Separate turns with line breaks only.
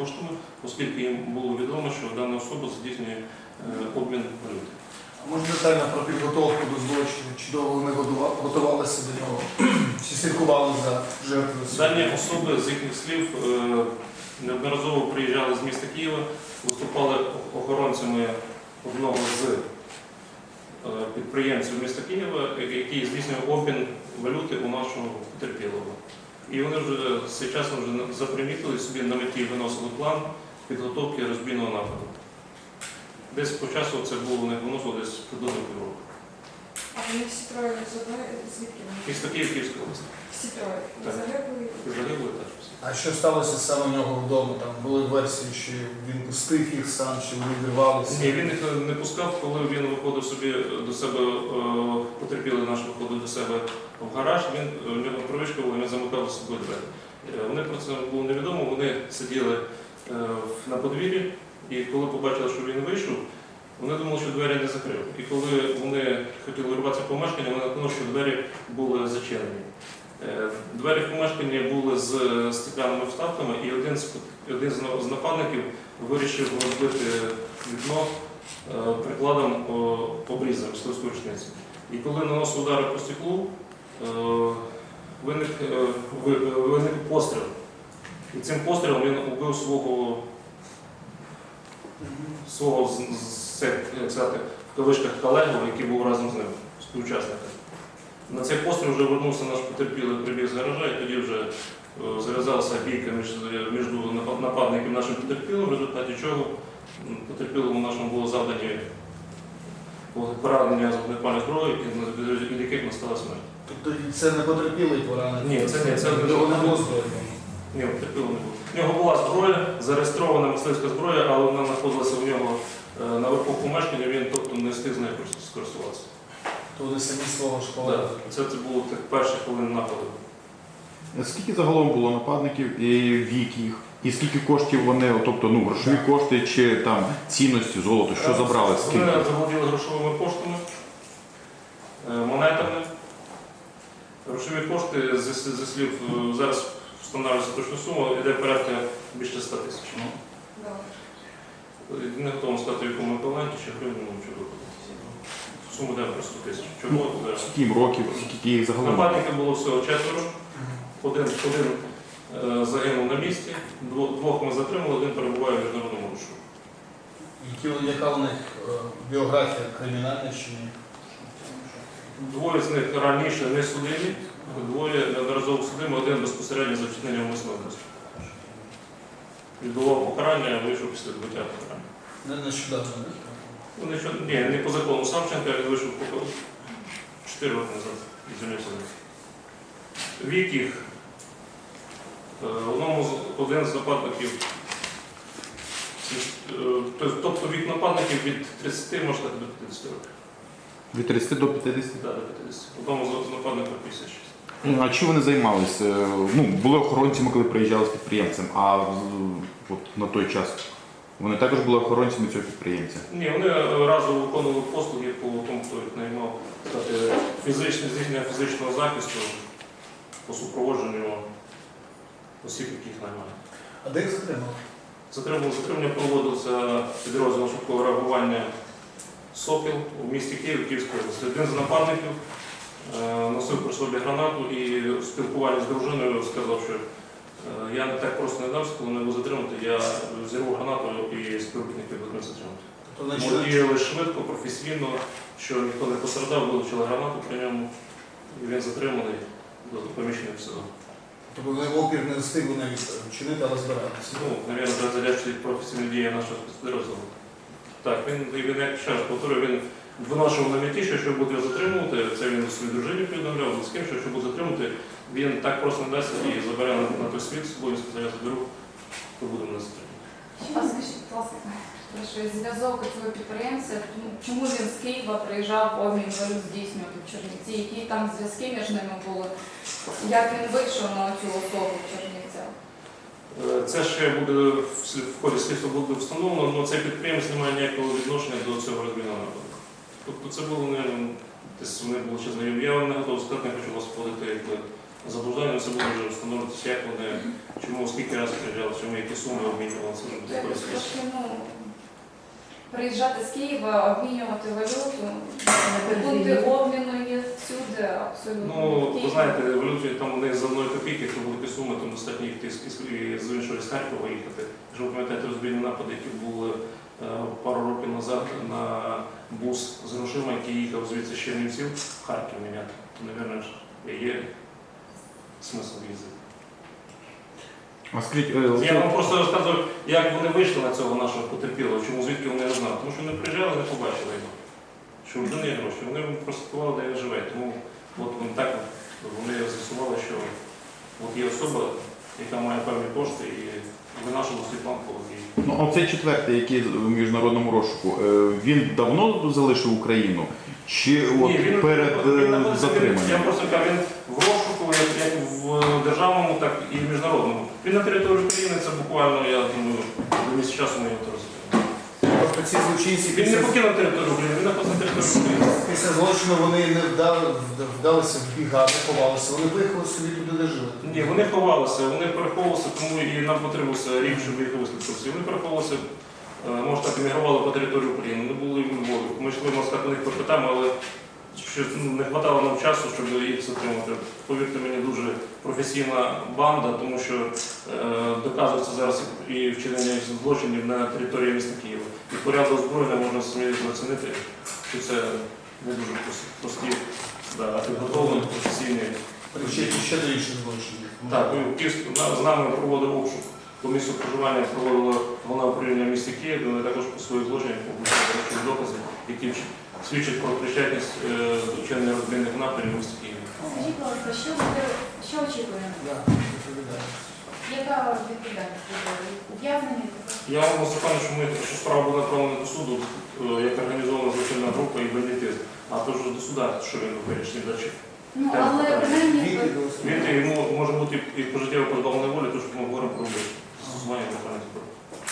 коштами, оскільки їм було відомо, що дана особа здійснює обмін валюти.
Можна детально про підготовку до злочину? Чи довго вони готувалися до нього? Чи слідкували за жертвою?
Дані особи, з їхніх слів, неодноразово приїжджали з міста Києва, виступали охоронцями одного з підприємців міста Києва, який здійснює обмін валюти у нашого потерпілого. І вони вже з цим часом вже запримітили собі на меті виносили план підготовки розбійного нападу. Десь по часу це було у них виносило десь приблизно півроку.
А вони всі троє звідки вони?
Місто Київ, Київська область.
Всі троє?
Так.
Загиблі?
Загибло так.
А що сталося саме в нього вдома? Там були версії, що він пустив їх сам, чи вони вирвалися?
Ні, він їх не пускав, коли він виходив собі до себе, потерпілий наш виходив до себе в гараж, в нього привичка була, він замикав за собою двері. Вони про це було невідомо, вони сиділи на подвір'ї, і коли побачили, що він вийшов, вони думали, що двері не закрив. І коли вони хотіли вирватися в помешкання, вони наткнули, що двері були зачинені. Двері в помешканні були з стеклянними вставками, і один з нападників вирішив розбити вікно прикладом обріза мисливської рушниці. І коли наносив удари по стеклу, виник постріл. І цим пострілом він убив свого як сказати, в кавичках колегу, який був разом з ним, співучасника. На цей постріл вже вернувся наш потерпілий, прибіг з гаража, і тоді вже зав'язалася бійка між нападником і нашим потерпілим, в результаті чого потерпілому нашому було завдані поранення з вогнепальної зброї, від яких настала смерть.
Тобто це не потерпілий поранений?
Ні, це
не було зброї.
Ні, потерпілого не було. У нього була зброя, зареєстрована мисливська зброя, але вона знаходилася у нього наверху помешкання, він тобто не встиг з нею скористуватися.
То вони самі свого школи?
Так, це було тих перших хвилин нападу.
Скільки загалом було нападників і вік їх? І скільки коштів вони, тобто грошові кошти чи там цінності, золото, що забрали?
Вони заволоділи грошовими коштами, монетами. Грошові кошти, зі слів, зараз встановлюється точну суму, йде порядка більше 100 тисяч. Не готовий сказати, в якому еквіваленті, чи гривні, чи виходить. Суму йде про 100 тисяч. Чого?
Скільки їм років, скільки їх загалом?
Нападників було всього 4. Один загинув на місці, двох ми затримали, один перебуває в міжнародному розшуку.
Яка у них біографія кримінальна чи ні?
Двоє з них раніше не судимі, двоє неодноразово судимі, один безпосередньо за вчинення умисного вбивства. Відбував покарання, вийшов після відбуття покарання.
Не нещодавно, не?
Ні, не по закону Савченка, він вийшов 4 роки назад і звільнився. Вік їх. Один з нападників, тобто вік нападників від 30, можна сказати, до 50 років.
Від 30 до 50?
Так, до 50. Одному з нападників 56.
А чим вони займалися? Були охоронцями, коли приїжджали з підприємцем, а от на той час вони також були охоронцями цього підприємця?
Ні, вони разом виконували послуги по тому, хто їх наймав, здійснення фізичного захисту по супроводженню осіб, яких наймають.
А де їх затримали?
Затримання проводилося підрозділом швидкого реагування «Сокіл» у місті Київ, Київської області. Один з нападників носив при собі гранату і в спілкуванні з дружиною сказав, що я не так просто не дався, коли мене було затримати, я взірву гранату і співробітники будуть затримати. Тому діяли швидко, професійно, що ніхто не пострадав, вилучили гранату при ньому, і він затриманий до поміщення в СИЗО.
Тобто вони опір не встигли навіть вчинити, але збиратися?
Навірно, задячують професійні дії нашого спецпідрозділу. Так, він як ще раз повторюю, він виношував на меті, що якщо буде його затримувати, це він своїй дружині повідомляв, з ким, що якщо буде затримувати, він так просто не дасть і забере на той світ з собою, сказав, я заберу, то будемо не затримувати.
А скажіть, будь ласка, що зв'язок цього підприємця, чому він з Києва приїжджав обмін валют здійснювати в Чернівці, які там зв'язки між ними були, як він вийшов на цю особу в Чернівцях?
Це ще буде в ході слідства буде встановлено, але цей підприємець не має ніякого відношення до цього розбійного нападу. Тобто це було, десь вони були ще знайомі. Я вам не готовий сказати, не хочу вас вводити заблуждання, це буде вже встановлюватися, як вони, чому, скільки разів приїжджали, чому які суми обмінювали, це вже буде
Якось
корисно.
трошки, приїжджати з Києва, обмінювати валюту, пункти обміну є всюди, абсолютно.
Ну, ви
Київ.
знаєте, валюті там у них за 1 копійки, то великі суми, там достатньо їхати з іншого з Харкова їхати. Якщо ви пам'ятаєте розбійні напади, які були пару років назад на бус з грошима, який їхав звідси з Чернівців в Харків міняти, то, мабуть, є смисл їздити.
А скажіть,
Я вам просто розказую, як вони вийшли на цього нашого потерпілого, чому звідки вони не знали. Тому що вони приїжджали, не побачили його. Що в людини є гроші. Вони прослідкували, де він живе. Тому от вони так вони з'ясували, що от є особа, яка має певні кошти, і винашили Світлан Пологій.
ну, оцей четвертий, який в міжнародному розшуку, він давно залишив Україну? Чи от перед затриманням?
Я просто кажу, він в розшуку, як в державному, так і в міжнародному. Він на території України, це буквально, я думаю, до місяця часу ми його розглядаємо.
Тобто ці злочинці
Він не покинув територію України, він знаходиться на території України.
після злочину вони не вдалися в біга, не ховалися. Вони виїхали собі туди, де жили.
Ні, вони ховалися, вони переховувалися, тому і нам потребувався рік, щоб їх вислухати. Вони переховувалися, може так, емігрували по території України. Вони були в Львові. Ми йшли, можна сказати, на них попитаємо, але що не вистачало нам часу, щоб їх затримати. Повірте мені, дуже професійна банда, тому що доказується зараз і вчинення злочинів на території міста Києва. І порядок озброєння можна самі оцінити, що це не дуже прості, а підготовлені, професійні.
Причетні ще до інших злочинів.
Так, з нами проводив обшук. По місцю проживання проводило головне управління в місті Київ, де вони також по своїх злочинах публікували докази, які свідчать про причетність до вчинення розбійних нападів в місті Києві.
Скажіть, будь ласка, що очікуємо?
Да, відповідаю.
Яка відповідальність буде? Ув'язнення?
Я вам запевню, що справа була направлена до суду, як організована злочинна група і бандитизм, а то вже до суда, що він вирішить далі.
Ну, але принаймні...
Він йому може бути і пожиттєво позбавлений волі, тому що ми говоримо про застосування державних зброї.